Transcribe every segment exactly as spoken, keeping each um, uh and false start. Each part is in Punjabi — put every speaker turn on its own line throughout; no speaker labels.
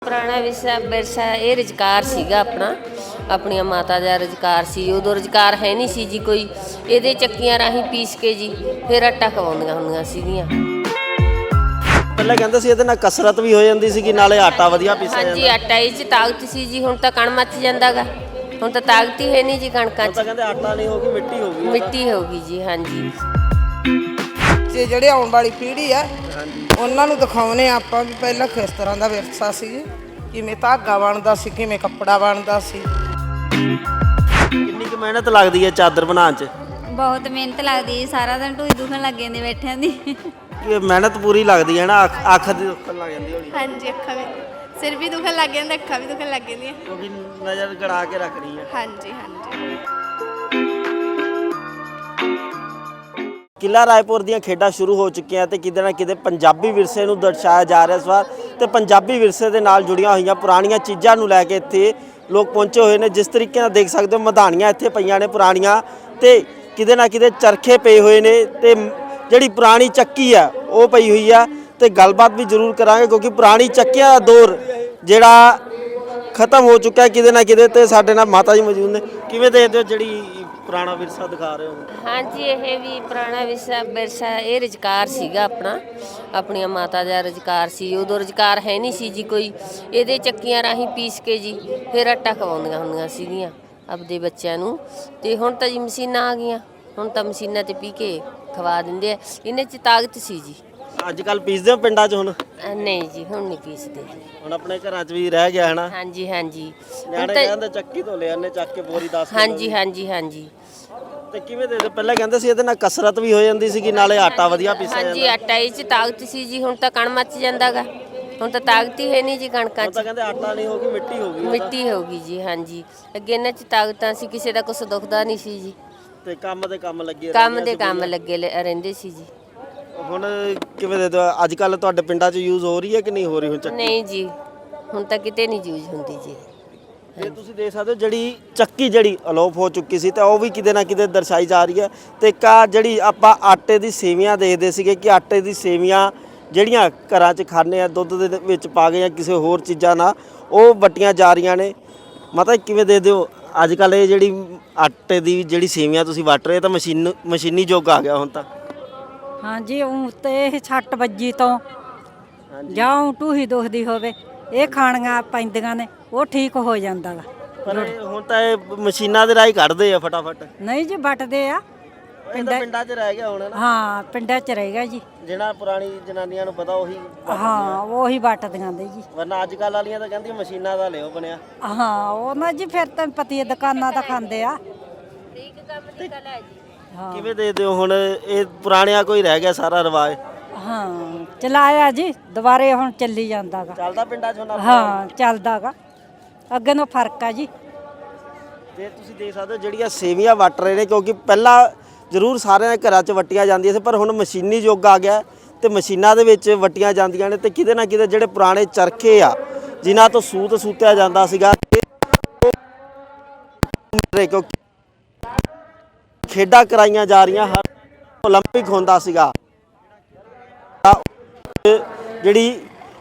ਪੁਰਾਣਾ ਵਿਰਸਾ ਵਿਰਸਾ ਇਹ ਰੁਜ਼ਗਾਰ ਸੀਗਾ ਆਪਣਾ ਆਪਣੀਆਂ ਮਾਤਾ ਦਾ ਰੁਜ਼ਗਾਰ ਸੀ। ਉਦੋਂ ਰੁਜ਼ਗਾਰ ਹੈ ਨਹੀਂ ਸੀ ਜੀ ਕੋਈ, ਇਹਦੇ ਚੱਕੀਆਂ ਰਾਹੀਂ ਪੀਸ ਕੇ ਜੀ ਫਿਰ ਆਟਾ ਖਵਾਉਂਦੀਆਂ ਹੁੰਦੀਆਂ ਸੀਗੀਆਂ।
ਪਹਿਲਾਂ ਕਹਿੰਦੇ ਸੀ ਇਹਦੇ ਨਾਲ ਕਸਰਤ ਵੀ ਹੋ ਜਾਂਦੀ ਸੀ, ਨਾਲੇ ਆਟਾ ਵਧੀਆ ਪੀਸਿਆ ਜਾਂਦਾ।
ਹਾਂਜੀ, ਆਟਾ ਇਹ 'ਚ ਤਾਕਤ ਸੀ ਜੀ। ਹੁਣ ਤਾਂ ਕਣ ਮੱਚ ਜਾਂਦਾਗਾ, ਹੁਣ ਤਾਂ ਤਾਕਤ ਹੀ ਹੈ ਨਹੀਂ ਜੀ ਕਣਕਾਂ 'ਚ।
ਤਾਂ ਕਹਿੰਦੇ ਆਟਾ ਨਹੀਂ ਹੋ ਗਈ, ਮਿੱਟੀ ਹੋ ਗਈ।
ਮਿੱਟੀ ਹੋ ਗਈ ਜੀ। ਹਾਂਜੀ,
ਜੇ ਜਿਹੜੇ ਆਉਣ ਵਾਲੀ ਪੀੜ੍ਹੀ ਆ ਉਹਨਾਂ ਨੂੰ ਦਿਖਾਉਣੇ ਆਪਾਂ ਵੀ ਪਹਿਲਾਂ ਕਿਸ ਤਰ੍ਹਾਂ ਦਾ ਵਿਰਸਾ ਸੀ, ਕਿਵੇਂ ਧਾਗਾ ਬਣਦਾ ਸੀ, ਕਿਵੇਂ ਕੱਪੜਾ ਬਣਦਾ ਸੀ।
ਕਿੰਨੀ ਕੁ ਮਿਹਨਤ ਲੱਗਦੀ ਹੈ ਚਾਦਰ ਬਣਾਉਣ 'ਚ?
ਬਹੁਤ ਮਿਹਨਤ ਲੱਗਦੀ ਹੈ, ਸਾਰਾ ਦਿਨ ਢੂਈ ਦੁਖਣ ਲੱਗ ਜਾਂਦੀ ਬੈਠਿਆਂ ਦੀ।
ਇਹ ਮਿਹਨਤ ਪੂਰੀ ਲੱਗਦੀ ਹੈ ਨਾ, ਅੱਖ ਅੱਖ ਦੀ ਦੁਖਣ ਲੱਗ ਜਾਂਦੀ ਹੋਣੀ।
ਹਾਂਜੀ, ਅੱਖਾਂ ਵੀ, ਸਿਰ ਵੀ ਦੁਖਣ ਲੱਗ ਜਾਂਦਾ, ਅੱਖਾਂ ਵੀ ਦੁਖਣ ਲੱਗ ਜਾਂਦੀਆਂ
ਕਿਉਂਕਿ ਨਜ਼ਰ ਗੜਾ ਕੇ ਰੱਖਣੀ ਹੈ।
ਹਾਂਜੀ ਹਾਂਜੀ।
ਕਿਲ੍ਹਾ ਰਾਏਪੁਰ ਦੀਆਂ ਖੇਡਾਂ ਸ਼ੁਰੂ ਹੋ ਚੁੱਕੀਆਂ ਤੇ ਕਿਤੇ ਨਾ ਕਿਤੇ ਪੰਜਾਬੀ ਵਿਰਸੇ ਨੂੰ ਦਰਸਾਇਆ ਜਾ ਰਿਹਾ ਇਸ ਵਾਰ, ਤੇ ਪੰਜਾਬੀ ਵਿਰਸੇ ਦੇ ਨਾਲ ਜੁੜੀਆਂ ਹੋਈਆਂ ਪੁਰਾਣੀਆਂ ਚੀਜ਼ਾਂ ਨੂੰ ਲੈ ਕੇ ਇੱਥੇ ਲੋਕ ਪਹੁੰਚੇ ਹੋਏ ਨੇ। ਜਿਸ ਤਰੀਕੇ ਨਾਲ ਦੇਖ ਸਕਦੇ ਹੋ ਮਧਾਣੀਆਂ ਇੱਥੇ ਪਈਆਂ ਨੇ ਪੁਰਾਣੀਆਂ, ਤੇ ਕਿਤੇ ਨਾ ਕਿਤੇ ਚਰਖੇ ਪਏ ਹੋਏ ਨੇ, ਤੇ ਜਿਹੜੀ ਪੁਰਾਣੀ ਚੱਕੀ ਆ ਉਹ ਪਈ ਹੋਈ ਆ। ਤੇ ਗੱਲਬਾਤ ਵੀ ਜ਼ਰੂਰ ਕਰਾਂਗੇ ਕਿਉਂਕਿ ਪੁਰਾਣੀ ਚੱਕੀਆਂ ਦਾ ਦੌਰ ਜਿਹੜਾ ਖਤਮ ਹੋ ਚੁੱਕਾ ਹੈ ਕਿਤੇ ਨਾ ਕਿਤੇ। ਤੇ ਸਾਡੇ ਨਾਲ ਮਾਤਾ ਜੀ ਮੌਜੂਦ ਨੇ। ਕਿਵੇਂ ਦੇਖਦੇ ਹੋ ਜਿਹੜੀ ਪੁਰਾਣਾ ਵਿਰਸਾ ਦਿਖਾ ਰਹੇ ਹੋ?
ਹਾਂਜੀ, ਇਹ ਵੀ ਪੁਰਾਣਾ ਵਿਰਸਾ ਵਿਰਸਾ ਇਹ ਰੁਜ਼ਗਾਰ ਸੀਗਾ ਆਪਣਾ ਆਪਣੀਆਂ ਮਾਤਾ ਦਾ ਰੁਜ਼ਗਾਰ ਸੀ। ਉਦੋਂ ਰੁਜ਼ਗਾਰ ਹੈ ਨਹੀਂ ਸੀ ਜੀ ਕੋਈ, ਇਹਦੇ ਚੱਕੀਆਂ ਰਾਹੀਂ ਪੀਸ ਕੇ ਜੀ ਫਿਰ ਆਟਾ ਖਵਾਉਂਦੀਆਂ ਹੁੰਦੀਆਂ ਸੀਗੀਆਂ ਆਪਦੇ ਬੱਚਿਆਂ ਨੂੰ। ਤੇ ਹੁਣ ਤਾਂ ਜੀ ਮਸ਼ੀਨਾਂ ਆ ਗਈਆਂ, ਹੁਣ ਤਾਂ ਮਸ਼ੀਨਾਂ 'ਤੇ ਪੀ ਕੇ ਖਵਾ ਦਿੰਦੇ ਆ। ਇਹਨਾਂ 'ਚ ਤਾਕਤ ਸੀ ਜੀ।
ਅੱਜ ਕੱਲ੍ਹ ਪੀਸਦੇ ਹੋ ਪਿੰਡਾਂ 'ਚ? ਹੁਣ
ਅ, ਨਹੀਂ ਜੀ, ਹੁਣ ਨਹੀਂ ਪੀਸਦੇ।
ਹੁਣ ਆਪਣੇ ਘਰਾਂ 'ਚ ਵੀ ਰਹਿ ਗਿਆ ਹੈ ਨਾ।
ਹਾਂਜੀ ਹਾਂਜੀ,
ਨਿਆਣੇ ਕਹਿੰਦੇ ਚੱਕੀ ਤੋਂ ਲੈ ਆਨੇ ਚੱਕ ਕੇ ਬੋਰੀ ਦਸ।
ਹਾਂਜੀ ਹਾਂਜੀ ਹਾਂਜੀ।
ਤੇ ਕਿਵੇਂ ਦੇ ਪਹਿਲਾਂ ਕਹਿੰਦੇ ਸੀ ਇਹਦੇ ਨਾਲ ਕਸਰਤ ਵੀ ਹੋ ਜਾਂਦੀ ਸੀ, ਨਾਲੇ ਆਟਾ ਵਧੀਆ ਪੀਸਿਆ ਜਾਂਦਾ।
ਹਾਂਜੀ, ਆਟਾ ਇਹ 'ਚ ਤਾਕਤ ਸੀ ਜੀ। ਹੁਣ ਤਾਂ ਕਣ ਮੱਚ ਜਾਂਦਾਗਾ, ਹੁਣ ਤਾਂ ਤਾਕਤ ਹੀ ਹੈ ਨਹੀਂ ਜੀ ਕਣਕਾਂ 'ਚ।
ਤਾਂ ਕਹਿੰਦੇ ਆਟਾ ਨਹੀਂ ਹੋ ਗਈ, ਮਿੱਟੀ ਹੋ ਗਈ।
ਮਿੱਟੀ ਹੋ ਗਈ ਜੀ। ਹਾਂਜੀ, ਅੱਗੇ ਇਹਨਾਂ 'ਚ ਤਾਕਤਾਂ ਸੀ, ਕਿਸੇ ਦਾ ਕੁਛ ਦੁਖਦਾ ਨਹੀਂ ਸੀ ਜੀ।
ਤੇ ਕੰਮ ਦੇ ਕੰਮ ਲੱਗੇ
ਕੰਮ ਦੇ ਕੰਮ ਲੱਗੇ ਲ- ਰਹਿੰਦੇ ਸੀ ਜੀ।
ਹੁਣ ਕਿਵੇਂ ਦੇ ਦਿਓ? ਅੱਜ ਕੱਲ ਤੁਹਾਡੇ ਪਿੰਡਾਂ 'ਚ ਯੂਜ਼ ਹੋ ਰਹੀ ਹੈ ਕਿ ਨਹੀਂ ਹੋ ਰਹੀ ਹੁਣ ਚੱਕੀ?
ਨਹੀਂ ਜੀ, ਹੁਣ ਤਾਂ ਕਿਤੇ ਨਹੀਂ ਯੂਜ਼ ਹੁੰਦੀ ਜੀ।
ਤੇ ਤੁਸੀਂ ਦੇਖ ਸਕਦੇ ਹੋ ਜਿਹੜੀ ਚੱਕੀ ਜਿਹੜੀ ਅਲੋਪ ਹੋ ਚੁੱਕੀ ਸੀ, ਤਾਂ ਉਹ ਵੀ ਕਿਤੇ ਨਾ ਕਿਤੇ ਦਰਸਾਈ ਜਾ ਰਹੀ ਹੈ। ਤੇ ਇੱਕ ਆਹ ਜਿਹੜੀ ਆਪਾਂ ਆਟੇ ਦੀ ਸੇਵੀਆਂ ਦੇਖਦੇ ਸੀਗੇ ਕਿ ਆਟੇ ਦੀ ਸੇਵੀਆਂ ਜਿਹੜੀਆਂ ਘਰਾਂ 'ਚ ਖਾਂਦੇ ਆ ਦੁੱਧ ਦੇ ਵਿੱਚ ਪਾ ਕੇ ਜਾਂ ਕਿਸੇ ਹੋਰ ਚੀਜ਼ਾਂ ਨਾਲ, ਉਹ ਵੱਟੀਆਂ ਜਾ ਰਹੀਆਂ ਨੇ। ਮਤਲਬ ਕਿਵੇਂ ਦੇ ਦਿਓ ਅੱਜ ਕੱਲ ਇਹ ਜਿਹੜੀ ਆਟੇ ਦੀ ਜਿਹੜੀ ਸੇਵੀਆਂ ਤੁਸੀਂ ਵੱਟ ਰਹੇ ਤਾਂ ਮਸ਼ੀਨ ਮਸ਼ੀਨੀ ਯੁੱਗ ਆ ਗਿਆ ਹੁਣ ਤਾਂ।
ਹਾਂਜੀ, ਉਹ ਤੇ ਛੱਟ ਵੱਜੀ ਤੋਂ ਜਾਂ ਊਂ ਢੂਹੀ ਦੁਖਦੀ ਹੋਵੇ, ਇਹ ਖਾਣੀਆਂ ਪੈਂਦੀਆਂ ਨੇ, ਉਹ ਠੀਕ ਹੋ ਜਾਂਦਾ ਗਾ।
ਪਰ ਇਹ ਹੁਣ ਤਾਂ ਇਹ ਮਸ਼ੀਨਾਂ ਦੇ ਰਾਹੀਂ ਕੱਢਦੇ ਆ ਫਟਾਫਟ।
ਨਹੀਂ ਜੀ, ਵੱਟਦੇ ਆ
ਇਹ ਤਾਂ ਪਿੰਡਾਂ 'ਚ ਰਹਿ ਗਿਆ ਹੁਣ ਨਾ।
ਹਾਂ, ਪਿੰਡਾਂ 'ਚ ਰਹੇਗਾ ਜੀ।
ਜਿਹੜਾ ਪੁਰਾਣੀ ਜਨਾਨੀਆਂ ਨੂੰ ਪਤਾ ਉਹੀ,
ਹਾਂ, ਉਹੀ ਵੱਟਦੀਆਂ ਦੇ ਜੀ।
ਵਰਨਾ ਅੱਜ ਕੱਲ ਵਾਲੀਆਂ ਤਾਂ ਕਹਿੰਦੀਆਂ ਮਸ਼ੀਨਾਂ ਦਾ ਲਿਓ ਬਣਿਆ।
ਹਾਂ, ਉਹ ਨਾ ਜੀ ਫਿਰ ਤਾਂ ਪਤੀ ਹੈ, ਦੁਕਾਨਾਂ ਤਾਂ ਖਾਂਦੇ ਆ। ਹਾਂ
ਕਿਵੇਂ ਦੇ ਦਿਓ ਹੁਣ ਇਹ ਪੁਰਾਣਿਆਂ ਕੋਈ ਰਹਿ ਗਿਆ ਸਾਰਾ ਰਿਵਾਜ?
ਹਾਂ, ਚਲਾਇਆ ਜੀ, ਦੁਬਾਰੇ ਹੁਣ ਚੱਲੀ ਜਾਂਦਾ ਗਾ।
ਚੱਲਦਾ ਪਿੰਡਾਂ 'ਚ ਹੁਣ?
ਹਾਂ, ਚੱਲਦਾ ਗਾ, ਅੱਗੇ ਨੂੰ ਫਰਕ ਆ ਜੀ।
ਤੇ ਤੁਸੀਂ ਦੇਖ ਸਕਦੇ ਹੋ ਜਿਹੜੀਆਂ ਸੇਵੀਆਂ ਵੱਟ ਰਹੇ ਨੇ, ਕਿਉਂਕਿ ਪਹਿਲਾਂ ਜ਼ਰੂਰ ਸਾਰਿਆਂ ਦੇ ਘਰਾਂ 'ਚ ਵੱਟੀਆਂ ਜਾਂਦੀਆਂ ਸੀ, ਪਰ ਹੁਣ ਮਸ਼ੀਨੀ ਯੁੱਗ ਆ ਗਿਆ ਤੇ ਮਸ਼ੀਨਾਂ ਦੇ ਵਿੱਚ ਵੱਟੀਆਂ ਜਾਂਦੀਆਂ ਨੇ। ਤੇ ਕਿਤੇ ਨਾ ਕਿਤੇ ਜਿਹੜੇ ਪੁਰਾਣੇ ਚਰਖੇ ਆ ਜਿਨ੍ਹਾਂ ਤੋਂ ਸੂਤ ਸੂਤਿਆ ਜਾਂਦਾ ਸੀਗਾ, ਕਿਉਂਕਿ ਖੇਡਾਂ ਕਰਾਈਆਂ ਜਾ ਰਹੀਆਂ, ਹਰ ਓਲੰਪਿਕ ਹੁੰਦਾ ਸੀਗਾ, ਜਿਹੜੀ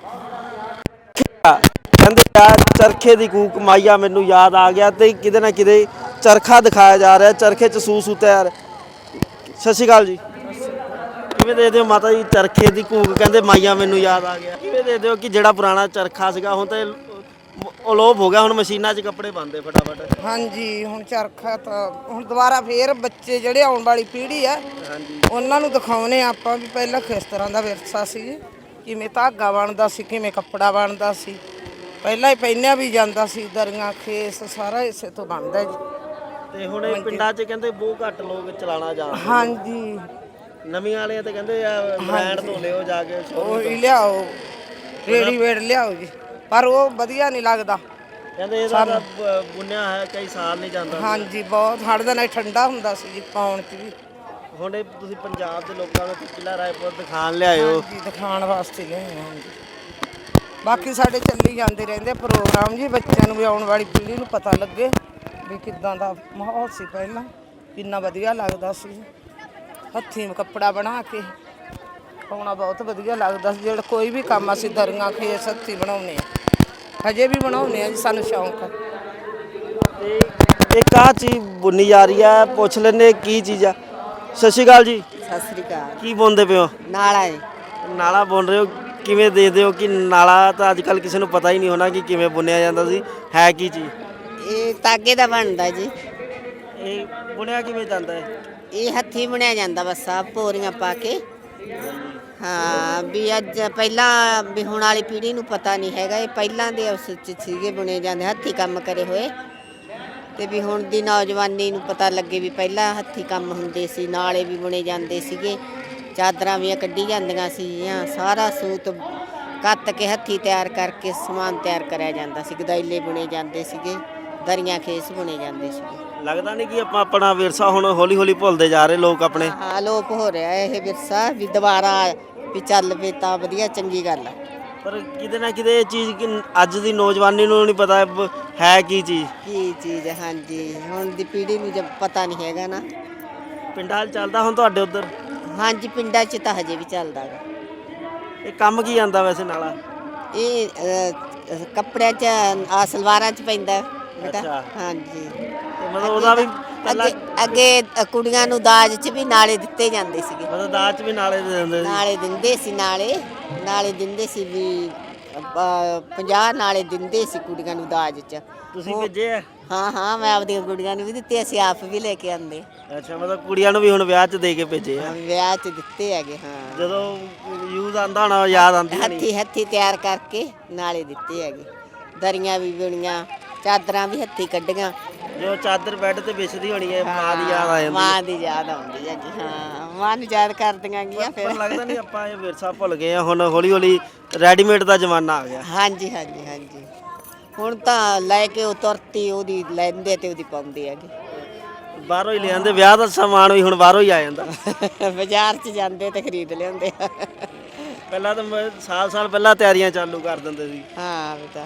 ਕਹਿੰਦੇ ਆ ਚਰਖੇ ਦੀ ਕੂਕ ਮਾਈਆ ਮੈਨੂੰ ਯਾਦ ਆ ਗਿਆ। ਤੇ ਕਿਤੇ ਨਾ ਕਿਤੇ ਚਰਖਾ ਦਿਖਾਇਆ ਜਾ ਰਿਹਾ, ਚਰਖੇ 'ਚ ਸੂ ਸੂਤਿਆ। ਸਤਿ ਸ਼੍ਰੀ ਅਕਾਲ ਜੀ। ਕਿਵੇਂ ਦੇਖਦੇ ਹੋ ਮਾਤਾ ਜੀ ਚਰਖੇ ਦੀ ਕੂਕ ਕਹਿੰਦੇ ਮਾਈਆ ਮੈਨੂੰ ਯਾਦ ਆ ਗਿਆ? ਕਿਵੇਂ ਦੇਖਦੇ ਹੋ ਕਿ ਜਿਹੜਾ ਪੁਰਾਣਾ ਚਰਖਾ ਸੀਗਾ ਹੁਣ ਤਾਂ ਅਲੋਪ ਹੋ ਗਿਆ, ਹੁਣ ਮਸ਼ੀਨਾਂ 'ਚ ਕੱਪੜੇ ਬਣਦੇ ਫਟਾਫਟ?
ਹਾਂਜੀ, ਹੁਣ ਚਰਖਾ ਤਾਂ ਹੁਣ ਦੁਬਾਰਾ ਫੇਰ ਬੱਚੇ ਜਿਹੜੇ ਆਉਣ ਵਾਲੀ ਪੀੜ੍ਹੀ ਆ ਉਹਨਾਂ ਨੂੰ ਦਿਖਾਉਣੇ ਆਪਾਂ ਵੀ ਪਹਿਲਾਂ ਕਿਸ ਤਰ੍ਹਾਂ ਦਾ ਵਿਰਸਾ ਸੀ, ਕਿਵੇਂ ਧਾਗਾ ਬਣਦਾ ਸੀ, ਕਿਵੇਂ ਕੱਪੜਾ ਬਣਦਾ ਸੀ। ਪਹਿਲਾਂ ਹੀ ਪਹਿਨਿਆ ਵੀ ਜਾਂਦਾ ਸੀ, ਦਰੀਆਂ ਖੇਸ ਸਾਰਾ ਇਸੇ ਤੋਂ ਬਣਦਾ ਜੀ।
ਤੇ ਹੁਣ ਇਹ ਪਿੰਡਾਂ 'ਚ ਕਹਿੰਦੇ ਬਹੁਤ ਘੱਟ ਲੋਕ ਚਲਾਣਾ ਜਾਣਦੇ।
ਹਾਂਜੀ,
ਨਵੀਂ ਵਾਲਿਆਂ ਤੇ ਕਹਿੰਦੇ ਆ ਬ੍ਰਾਂਡ ਤੋਂ ਲਿਓ ਜਾ ਕੇ,
ਉਹ ਹੀ ਲਿਆਓ, ਰੇਡੀਮੇਡ ਲਿਆਓ ਜੀ, ਪਰ ਉਹ ਵਧੀਆ ਨਹੀਂ ਲੱਗਦਾ।
ਕਹਿੰਦੇ ਇਹਦਾ ਤਾਂ ਬ- ਬੁਣਿਆ ਹੈ ਕਈ ਸਾਲ ਨਹੀਂ ਜਾਂਦਾ।
ਹਾਂਜੀ, ਬਹੁਤ ਹੜ ਦਾ ਨਾਲ ਠੰਡਾ ਹੁੰਦਾ ਸੀ ਜੀ ਪਾਉਣ 'ਚ ਵੀ।
ਹੁਣ ਇਹ ਤੁਸੀਂ ਪੰਜਾਬ ਦੇ ਲੋਕਾਂ ਨੂੰ ਕਿਲ੍ਹਾ ਰਾਏਪੁਰ ਦਿਖਾਣ ਲਿਆਇਓ?
ਹਾਂਜੀ, ਦਿਖਾਉਣ ਵਾਸਤੇ ਲਿਆਏ ਹਾਂ ਜੀ। ਬਾਕੀ ਸਾਡੇ ਚੱਲੀ ਜਾਂਦੇ ਰਹਿੰਦੇ ਪ੍ਰੋਗਰਾਮ ਜੀ, ਬੱਚਿਆਂ ਨੂੰ ਵੀ ਆਉਣ ਵਾਲੀ ਪੀੜ੍ਹੀ ਨੂੰ ਪਤਾ ਲੱਗੇ ਵੀ ਕਿੱਦਾਂ ਦਾ ਮਾਹੌਲ ਸੀ ਪਹਿਲਾਂ, ਕਿੰਨਾ ਵਧੀਆ ਲੱਗਦਾ ਸੀ। ਹੱਥੀਂ ਕੱਪੜਾ ਬਣਾ ਕੇ ਪਾਉਣਾ ਬਹੁਤ ਵਧੀਆ ਲੱਗਦਾ ਸੀ। ਜਿਹੜਾ ਕੋਈ ਵੀ ਕੰਮ ਅਸੀਂ ਦਰੀਆਂ ਖੇਸ ਹੱਥੀਂ ਬਣਾਉਂਦੇ ਆ। ਹਜੇ ਵੀ ਬਣਾਉਂਦੇ ਆ ਜੀ, ਸਾਨੂੰ ਸ਼ੌਂਕ ਆ।
ਤੇ ਇੱਕ ਆਹ ਚੀਜ਼ ਬੁਣੀ ਜਾ ਰਹੀ ਹੈ, ਪੁੱਛ ਲੈਂਦੇ ਕੀ ਚੀਜ਼ ਆ। ਸਤਿ ਸ਼੍ਰੀ ਅਕਾਲ ਜੀ।
ਸਤਿ ਸ੍ਰੀ ਅਕਾਲ।
ਕੀ ਬੁਣਦੇ ਪਏ ਹੋ?
ਨਾਲਾ ਹੈ।
ਨਾਲਾ ਬੁਣ ਰਹੇ ਹੋ, ਕਿਵੇਂ ਦੇਖਦੇ ਹੋ ਕਿ ਨਾਲਾ ਤਾਂ ਅੱਜ ਕੱਲ੍ਹ ਕਿਸੇ ਨੂੰ ਪਤਾ ਹੀ ਨਹੀਂ ਹੋਣਾ ਕਿ ਕਿਵੇਂ ਬੁਣਿਆ ਜਾਂਦਾ ਸੀ, ਹੈ ਕੀ ਚੀਜ਼?
ਇਹ ਤਾਗੇ ਦਾ ਬਣਦਾ ਜੀ।
ਇਹ ਬੁਣਿਆ ਕਿਵੇਂ ਜਾਂਦਾ ਹੈ?
ਇਹ ਹੱਥੀਂ ਬੁਣਿਆ ਜਾਂਦਾ ਬਸ ਆ ਪੋਰੀਆਂ ਪਾ ਕੇ। ਹਾਂ ਵੀ ਅੱਜ ਪਹਿਲਾਂ ਵੀ ਹੁਣ ਵਾਲੀ ਪੀੜ੍ਹੀ ਨੂੰ ਪਤਾ ਨਹੀਂ ਹੈਗਾ, ਇਹ ਪਹਿਲਾਂ ਦੇ ਉਸ 'ਚ ਸੀਗੇ ਬੁਣੇ ਜਾਂਦੇ ਹੱਥੀਂ ਕੰਮ ਕਰੇ ਹੋਏ, ਤੇ ਵੀ ਹੁਣ ਦੀ ਨੌਜਵਾਨੀ ਨੂੰ ਪਤਾ ਲੱਗੇ ਵੀ ਪਹਿਲਾਂ ਹੱਥੀਂ ਕੰਮ ਹੁੰਦੇ ਸੀ, ਨਾਲੇ ਵੀ ਬੁਣੇ ਜਾਂਦੇ ਸੀਗੇ, ਚਾਦਰਾਂ ਵੀ ਕੱਢੀ ਜਾਂਦੀਆਂ ਸੀਗੀਆਂ, ਸਾਰਾ ਸੂਤ ਕੱਤ ਕੇ ਹੱਥੀਂ ਤਿਆਰ ਕਰਕੇ ਸਮਾਨ ਤਿਆਰ ਕਰਿਆ ਜਾਂਦਾ ਸੀ, ਗਦਾਈਲੇ ਬੁਣੇ ਜਾਂਦੇ ਸੀਗੇ, ਦਰੀਆਂ ਖੇਸ ਬੁਣੇ ਜਾਂਦੇ ਸੀਗੇ।
ਲੱਗਦਾ ਨਹੀਂ ਕਿ ਆਪਾਂ ਆਪਣਾ ਵਿਰਸਾ ਹੁਣ ਹੌਲੀ ਹੌਲੀ ਭੁੱਲਦੇ ਜਾ ਰਹੇ ਲੋਕ ਆਪਣੇ?
ਹਾਂ ਅਲੋਪ ਹੋ ਰਿਹਾ ਇਹ ਵਿਰਸਾ, ਵੀ ਦੁਬਾਰਾ ਵੀ ਚੱਲ ਪਏ ਤਾਂ ਵਧੀਆ, ਚੰਗੀ ਗੱਲ ਆ।
ਪਰ ਕਿਤੇ ਨਾ ਕਿਤੇ ਇਹ ਚੀਜ਼ ਕਿ ਅੱਜ ਦੀ ਨੌਜਵਾਨੀ ਨੂੰ ਨਹੀਂ ਪਤਾ ਬ- ਹੈ ਕੀ ਚੀਜ਼।
ਕੀ ਚੀਜ਼ ਹੈ, ਹਾਂਜੀ ਹੁਣ ਦੀ ਪੀੜ੍ਹੀ ਨੂੰ ਜਦ ਪਤਾ ਨਹੀਂ ਹੈਗਾ ਨਾ।
ਪਿੰਡਾਂ 'ਚ ਚੱਲਦਾ ਹੁਣ ਤੁਹਾਡੇ ਉੱਧਰ?
ਹਾਂਜੀ ਪਿੰਡਾਂ 'ਚ ਤਾਂ ਹਜੇ ਵੀ ਚੱਲਦਾ ਗਾ।
ਇਹ ਕੰਮ ਕੀ ਆਂਦਾ ਵੈਸੇ ਨਾਲਾ?
ਇਹ ਅ, ਕੱਪੜਿਆਂ 'ਚ ਆ ਸਲਵਾਰਾਂ 'ਚ ਪੈਂਦਾ ਬੇਟਾ।
ਅੱਛਾ।
ਹਾਂਜੀ
ਤੇ ਮਤਲਬ ਉਹਦਾ ਵੀ ਪਹਿਲਾਂ
ਅੱਗੇ ਅੱਗੇ ਅ, ਕੁੜੀਆਂ ਨੂੰ ਦਾਜ 'ਚ ਵੀ ਨਾਲੇ ਦਿੱਤੇ ਜਾਂਦੇ ਸੀਗੇ।
ਮਤਲਬ ਦਾਜ 'ਚ ਵੀ ਨਾਲੇ ਦੇ ਦਿੰਦੇ ਸੀ?
ਨਾਲੇ ਦਿੰਦੇ ਸੀ, ਨਾਲੇ ਨਾਲੇ ਦਿੰਦੇ ਸੀ ਵੀ ਪੰਜਾਹ ਨਾਲੇ ਦਿੰਦੇ ਸੀ ਕੁੜੀਆਂ ਨੂੰ ਦਾਜ 'ਚ।
ਤੁਸੀਂ ਭੇਜੇ ਆ?
ਹਾਂ ਹਾਂ ਮੈਂ ਆਪਦੀਆਂ ਕੁੜੀਆਂ ਨੂੰ ਵੀ ਦਿੱਤੇ, ਅਸੀਂ ਆਪ ਵੀ ਲੈ ਕੇ ਆਂਦੇ।
ਅੱਛਾ, ਮਤਲਬ ਕੁੜੀਆਂ ਨੂੰ ਵੀ ਹੁਣ ਵਿਆਹ 'ਚ ਦੇ ਕੇ ਭੇਜੇ ਆ?
ਵਿਆਹ 'ਚ ਦਿੱਤੇ ਹੈਗੇ। ਹਾਂ
ਜਦੋਂ ਯੂਜ਼ ਆਂਦਾ ਹੋਣਾ ਯਾਦ ਆਂਦੀ ਹੋਣੀ।
ਹੱਥੀ ਹੱਥੀ ਤਿਆਰ ਕਰਕੇ ਨਾਲੇ ਦਿੱਤੇ ਹੈਗੇ, ਦਰੀਆਂ ਵੀ ਬੁਣੀਆਂ, ਚਾਦਰਾਂ ਵੀ ਹੱਥੀ ਕੱਢੀਆਂ।
ਜੋ ਚਾਦਰ ਬੈੱਡ ਤੇ ਵਿਛਦੀ ਹੋਣੀ ਹੈ, ਮਾਂ ਦੀ ਯਾਦ ਆ ਜਾਂਦੀ ਹੈ।
ਮਾਂ ਦੀ ਯਾਦ ਆਉਂਦੀ ਹੈ ਜੀ। ਹਾਂ ਮਾਂ ਨੂੰ ਯਾਦ ਕਰਦੀਆਂ ਗੀਆਂ
ਪਰ
ਫਿਰ।
ਲੱਗਦਾ ਨਹੀਂ ਆਪਾਂ ਇਹ ਵਿਰਸਾ ਭੁੱਲ ਗਏ ਆ, ਹੁਣ ਹੌਲੀ ਹੌਲੀ ਰੈਡੀਮੇਡ ਦਾ ਜ਼ਮਾਨਾ ਆ ਗਿਆ।
ਹਾਂਜੀ ਹਾਂਜੀ ਹਾਂਜੀ ਹੁਣ ਤਾਂ ਲੈ ਕੇ ਉਹ ਤੁਰਤੀ ਉਹਦੀ ਲੈਂਦੇ ਤੇ ਉਹਦੀ ਪਾਉਂਦੇ ਹੈਗੇ।
ਬਾਹਰੋਂ ਹੀ ਲੈ ਆਂਦੇ, ਵਿਆਹ ਦਾ ਸਮਾਨ ਵੀ ਹੁਣ ਬਾਹਰੋਂ ਹੀ ਆ ਜਾਂਦਾ।
ਬਾਜ਼ਾਰ 'ਚ ਜਾਂਦੇ ਤੇ ਖਰੀਦ ਲਿਆਉਂਦੇ।
ਪਹਿਲਾਂ ਤਾਂ ਮੈਂ ਸਾਲ ਸਾਲ ਪਹਿਲਾਂ ਤਿਆਰੀਆਂ ਚਾਲੂ ਕਰ ਦਿੰਦੇ ਸੀ।
ਹਾਂ ਬੇਟਾ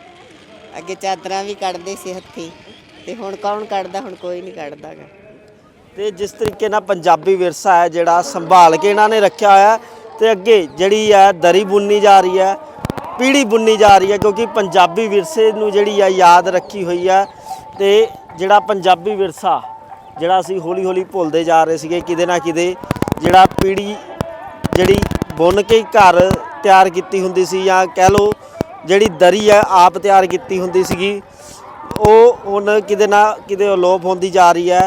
ਅੱਗੇ ਚਾਦਰਾਂ ਵੀ ਕੱਢਦੇ ਸੀ ਹੱਥੀ, ਤੇ ਹੁਣ ਕੌਣ ਕੱਢਦਾ? ਹੁਣ ਕੋਈ ਨਹੀਂ ਕੱਢਦਾ ਗਾ।
ਤੇ ਜਿਸ ਤਰੀਕੇ ਨਾਲ ਪੰਜਾਬੀ ਵਿਰਸਾ ਹੈ ਜਿਹੜਾ ਸੰਭਾਲ ਕੇ ਇਹਨਾਂ ਨੇ ਰੱਖਿਆ ਹੋਇਆ, ਤੇ ਅੱਗੇ ਜਿਹੜੀ ਹੈ ਦਰੀ ਬੁਣਨੀ ਜਾ ਰਹੀ ਹੈ, ਪੀੜ੍ਹੀ ਬੁਣਨੀ ਜਾ ਰਹੀ ਹੈ, ਕਿਉਂਕਿ ਪੰਜਾਬੀ ਵਿਰਸੇ ਨੂੰ ਜਿਹੜੀ ਆ ਯਾਦ ਰੱਖੀ ਹੋਈ ਹੈ। ਤੇ ਜਿਹੜਾ ਪੰਜਾਬੀ ਵਿਰਸਾ ਜਿਹੜਾ ਅਸੀਂ ਹੌਲੀ ਹੌਲੀ ਭੁੱਲਦੇ ਜਾ ਰਹੇ ਸੀਗੇ, ਕਿਤੇ ਨਾ ਕਿਤੇ ਜਿਹੜਾ ਪੀੜ੍ਹੀ ਜਿਹੜੀ ਬੁਣ ਕੇ ਘਰ ਤਿਆਰ ਕੀਤੀ ਹੁੰਦੀ ਸੀ, ਜਾਂ ਕਹਿ ਲਓ ਜਿਹੜੀ ਦਰੀ ਹੈ ਆਪ ਤਿਆਰ ਕੀਤੀ ਹੁੰਦੀ ਸੀਗੀ, ਉਹ ਹੁਣ ਕਿਤੇ ਨਾ ਕਿਤੇ ਅਲੋਪ ਹੁੰਦੀ ਜਾ ਰਹੀ ਹੈ।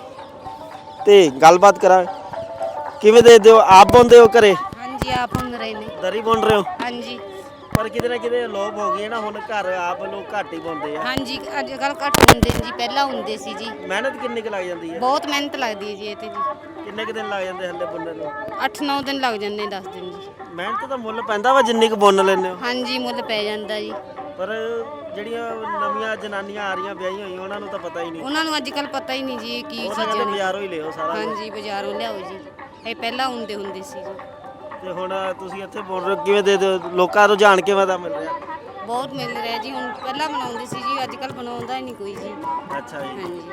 ਤੇ ਗੱਲਬਾਤ ਕਰਾਂ, ਕਿਵੇਂ ਦੇਖਦੇ ਹੋ? ਆਪ ਬੁਣਦੇ ਹੋ ਘਰੇ?
ਹਾਂਜੀ ਆਪ ਬੁਣ ਰਹੇ ਨੇ।
ਦਰੀ ਬੁਣ ਰਹੇ ਹੋ?
ਹਾਂਜੀ
ਪਰ ਕਿਤੇ ਨਾ ਕਿਤੇ ਅਲੋਪ ਹੋ ਗਈ ਹੈ ਨਾ, ਹੁਣ ਘਰ ਆਪ ਲੋਕ ਘੱਟ ਹੀ ਬੁਣਦੇ ਆ।
ਹਾਂਜੀ ਅੱਜ ਕੱਲ ਘੱਟ ਹੁੰਦੇ ਨੇ ਜੀ, ਪਹਿਲਾਂ ਹੁੰਦੇ ਸੀ ਜੀ।
ਮਿਹਨਤ ਕਿੰਨੀ ਕੁ ਲੱਗ ਜਾਂਦੀ ਹੈ?
ਬਹੁਤ ਮਿਹਨਤ ਲੱਗਦੀ ਹੈ ਜੀ ਇਹ ਤੇ ਜੀ।
ਕਿੰਨੇ ਕੁ ਦਿਨ ਲੱਗ ਜਾਂਦੇ ਹੱਲੇ ਬੁਣਨ ਨੂੰ?
ਅੱਠ ਨੌ ਦਿਨ ਲੱਗ ਜਾਂਦੇ, ਦਸ ਦਿਨ ਜੀ।
ਮਿਹਨਤ ਦਾ ਮੁੱਲ ਪੈਂਦਾ ਵਾ ਜਿੰਨੀ ਕੁ ਬੁਣ ਲੈਂਦੇ ਹੋ?
ਹਾਂਜੀ ਮੁੱਲ ਪੈ ਜਾਂਦਾ ਜੀ।
ਪਰ ਜਿਹੜੀਆਂ ਨਵੀਆਂ ਜਨਾਨੀਆਂ ਆ ਰਹੀਆਂ ਵਿਆਹੀਆਂ ਹੋਈਆਂ, ਉਹਨਾਂ ਨੂੰ ਤਾਂ ਪਤਾ ਹੀ ਨਹੀਂ।
ਉਹਨਾਂ ਨੂੰ ਅੱਜ ਕੱਲ ਪਤਾ ਹੀ ਨਹੀਂ ਜੀ ਇਹ ਕੀ
ਉਹ ਤਾਂ
ਚੀਜ਼ਾਂ
ਕਹਿੰਦੇ
ਨੇ।
ਬਾਜ਼ਾਰੋਂ ਹੀ ਲਿਓ ਸਾਰਾ ਕੁਝ।
ਹਾਂਜੀ ਬਾਜ਼ਾਰੋਂ ਲਿਆਓ ਜੀ, ਇਹ ਪਹਿਲਾਂ ਹੁੰਦੇ ਹੁੰਦੇ ਸੀ ਜੀ।
ਤੇ ਹੁਣ ਤੁਸੀਂ ਇੱਥੇ ਬੁਣ ਰਹੇ ਹੋ, ਕਿਵੇਂ ਦੇ ਦਿਓ? ਲੋਕਾਂ ਨੂੰ ਜਾਣ ਕਿਵੇਂ ਦਾ ਮਿਲ ਰਿਹਾ?
ਬਹੁਤ ਮਿਲ ਰਿਹਾ ਜੀ। ਹੁਣ ਪਹਿਲਾਂ ਬਣਾਉਂਦੇ ਸੀ ਜੀ, ਅੱਜ ਕੱਲ ਬਣਾਉਂਦਾ ਹੀ ਨਹੀਂ ਕੋਈ ਜੀ।
ਅੱਛਾ ਜੀ।
ਹਾਂਜੀ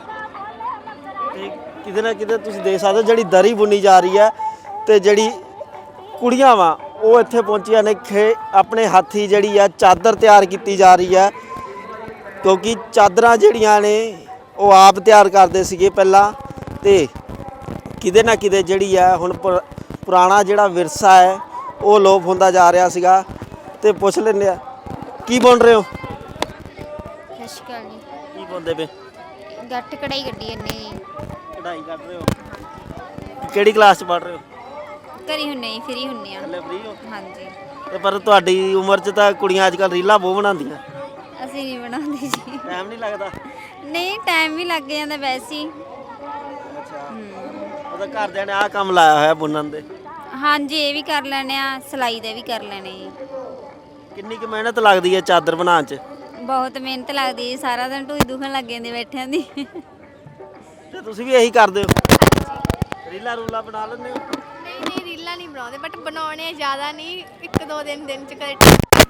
ਤੇ ਕਿਤੇ ਨਾ ਕਿਤੇ ਤੁਸੀਂ ਦੇਖ ਸਕਦੇ ਹੋ ਜਿਹੜੀ ਦਰੀ ਬੁਣੀ ਜਾ ਰਹੀ ਹੈ, ਤੇ ਜਿਹੜੀ ਕੁੜੀਆਂ ਵਾ ਉਹ ਇੱਥੇ ਪਹੁੰਚੀਆਂ ਨੇ, ਖੇ ਆਪਣੇ ਹੱਥੀ ਜਿਹੜੀ ਆ ਚਾਦਰ ਤਿਆਰ ਕੀਤੀ ਜਾ ਰਹੀ ਹੈ, ਕਿਉਂਕਿ ਚਾਦਰਾਂ ਜਿਹੜੀਆਂ ਨੇ ਉਹ ਆਪ ਤਿਆਰ ਕਰਦੇ ਸੀਗੇ ਪਹਿਲਾਂ। ਤੇ ਕਿਤੇ ਨਾ ਕਿਤੇ ਜਿਹੜੀ ਹੈ ਹੁਣ ਪੁ- ਪੁਰਾਣਾ ਜਿਹੜਾ ਵਿਰਸਾ ਹੈ ਉਹ ਲੋਪ ਹੁੰਦਾ ਜਾ ਰਿਹਾ ਸੀਗਾ। ਤੇ ਪੁੱਛ ਲੈਂਦੇ ਆ, ਕੀ ਬੁਣ ਰਹੇ ਹੋ?
ਸਤਿ ਸ਼੍ਰੀ ਅਕਾਲ ਜੀ।
ਕੀ ਬੁਣਦੇ ਪਏ?
ਗੱਟ ਕਢਾਈ ਕੱਢੀ ਜਾਂਦੇ ਜੀ।
ਕਢਾਈ ਕਰ ਰਹੇ ਹੋ? ਕਿਹੜੀ ਕਲਾਸ 'ਚ ਪੜ੍ਹ ਰਹੇ ਹੋ?
ਘਰੀ ਹੁੰਨੇ ਜੀ, ਫਰੀ ਹੁੰਨੇ ਆ।
ਹਲੇ ਫ੍ਰੀ ਹੋ?
ਹਾਂਜੀ
ਤੇ ਪਰ ਤੁਹਾਡੀ ਉਮਰ 'ਚ ਤਾਂ ਕੁੜੀਆਂ ਅੱਜ ਕੱਲ੍ਹ ਰੀਲਾਂ ਬਹੁਤ ਬਣਾਉਂਦੀਆਂ।
ਅਸੀਂ ਨਹੀਂ ਬਣਾਉਂਦੇ ਜੀ।
ਟਾਈਮ ਨਹੀਂ ਲੱਗਦਾ?
ਨਹੀਂ ਟਾਈਮ ਵੀ ਲੱਗ ਜਾਂਦਾ ਵੈਸੇ ਹੀ।
ਅੱਛਾ, ਉਹਦਾ ਘਰਦਿਆਂ ਨੇ ਆਹ ਕੰਮ ਲਾਇਆ ਹੋਇਆ ਬੁਣਨ ਦੇ?
ਹਾਂਜੀ ਇਹ ਵੀ ਕਰ ਲੈਣੇ ਆ, ਸਿਲਾਈ ਦਾ ਵੀ ਕਰ ਲੈਣੇ ਜੀ।
ਕਿੰਨੀ ਕੁ ਮਿਹਨਤ ਲੱਗਦੀ ਹੈ ਚਾਦਰ ਬਣਾਉਣ 'ਚ?
ਬਹੁਤ ਮਿਹਨਤ ਲੱਗਦੀ ਹੈ, ਸਾਰਾ ਦਿਨ ਢੂਈ ਦੁਖਣ ਲੱਗ ਜਾਂਦੀ ਬੈਠਿਆਂ ਦੀ।
ਤੇ ਤੁਸੀਂ ਵੀ ਇਹੀ ਕਰਦੇ ਹੋ? ਰੀਲਾਂ ਰੂਲਾਂ ਬਣਾ ਲੈਂਦੇ ਹੋ?
ਨਹੀਂ ਨਹੀਂ ਰੀਲਾਂ ਨਹੀਂ ਬਣਾਉਂਦੇ, ਬਟ ਬਣਾਉਣੇ ਜ਼ਿਆਦਾ ਨਹੀਂ, ਇੱਕ ਦੋ ਦਿਨ ਦਿਨ ਚ ਕਦੇ।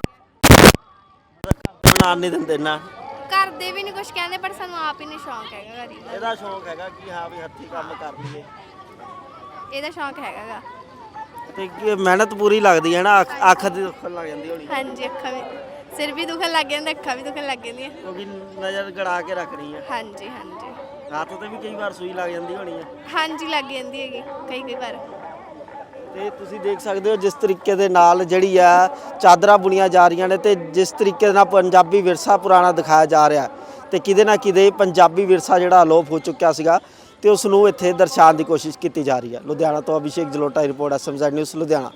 ਬਣਾਉਣ ਨਹੀਂ ਦਿੰਦੇ ਨਾ?
ਕਰਦੇ ਵੀ ਨਹੀਂ ਕੁਝ ਕਹਿੰਦੇ, ਪਰ ਸਾਨੂੰ ਆਪ ਹੀ ਨਹੀਂ ਸ਼ੌਂਕ ਹੈਗਾ ਰੀਲਾਂ।
ਇਹਦਾ ਸ਼ੌਂਕ ਹੈਗਾ ਕਿ ਹਾਂ ਵੀ ਹੱਥੀਂ ਕੰਮ ਕਰ ਲਈਏ?
ਇਹਦਾ ਸ਼ੌਂਕ ਹੈਗਾ ਗਾ।
ਤੇ ਕੀ ਮਿਹਨਤ ਪੂਰੀ ਲੱਗਦੀ ਹੈ ਨਾ? ਅੱਖ ਅੱਖ ਦੀ ਦੁੱਖਣ ਲੱਗ ਜਾਂਦੀ ਹੋਣੀ।
ਹਾਂਜੀ ਅੱਖਾਂ ਵੀ
ਸਿਰ ਵੀ ਦੁਖਣ ਲੱਗ ਜਾਂਦਾ ਅੱਖਾਂ ਵੀ ਦੁਖਣ ਲੱਗ ਜਾਂਦੀਆਂ
ਕਿਉਂਕਿ ਨਜ਼ਰ ਗੜਾ ਕੇ ਰੱਖ ਰਹੀ ਹੈ।
ਹਾਂਜੀ ਹਾਂਜੀ
ਹੱਥ ਤੇ ਵੀ ਕਈ ਵਾਰ ਸੂਈ ਲੱਗ ਜਾਂਦੀ ਹੋਣੀ ਹੈ।
ਹਾਂਜੀ ਲੱਗ ਜਾਂਦੀ ਹੈਗੀ ਕਈ ਕਈ ਵਾਰ
ਤੇ ਤੁਸੀਂ ਦੇਖ ਸਕਦੇ ਹੋ ਜਿਸ ਤਰੀਕੇ ਦੇ ਨਾਲ ਜਿਹੜੀ ਆ ਚਾਦਰਾਂ ਬੁਣੀਆਂ ਜਾ ਰਹੀਆਂ ਨੇ ਤੇ ਜਿਸ ਤਰੀਕੇ ਦੇ ਨਾਲ ਪੰਜਾਬੀ ਵਿਰਸਾ ਪੁਰਾਣਾ ਦਿਖਾਇਆ ਜਾ ਰਿਹਾ ਤੇ ਕਿਤੇ ਨਾ ਕਿਤੇ ਪੰਜਾਬੀ ਵਿਰਸਾ ਜਿਹੜਾ ਅਲੋਪ ਹੋ ਚੁੱਕਿਆ ਸੀਗਾ ਤੇ ਉਸ ਨੂੰ ਇੱਥੇ ਦਰਸਾਉਣ ਦੀ ਕੋਸ਼ਿਸ਼ ਕੀਤੀ ਜਾ ਰਹੀ ਹੈ। ਲੁਧਿਆਣਾ ਤੋਂ ਅਭਿਸ਼ੇਕ ਜਲੋਟਾ ਦੀ report, S M Z news Ludhiana.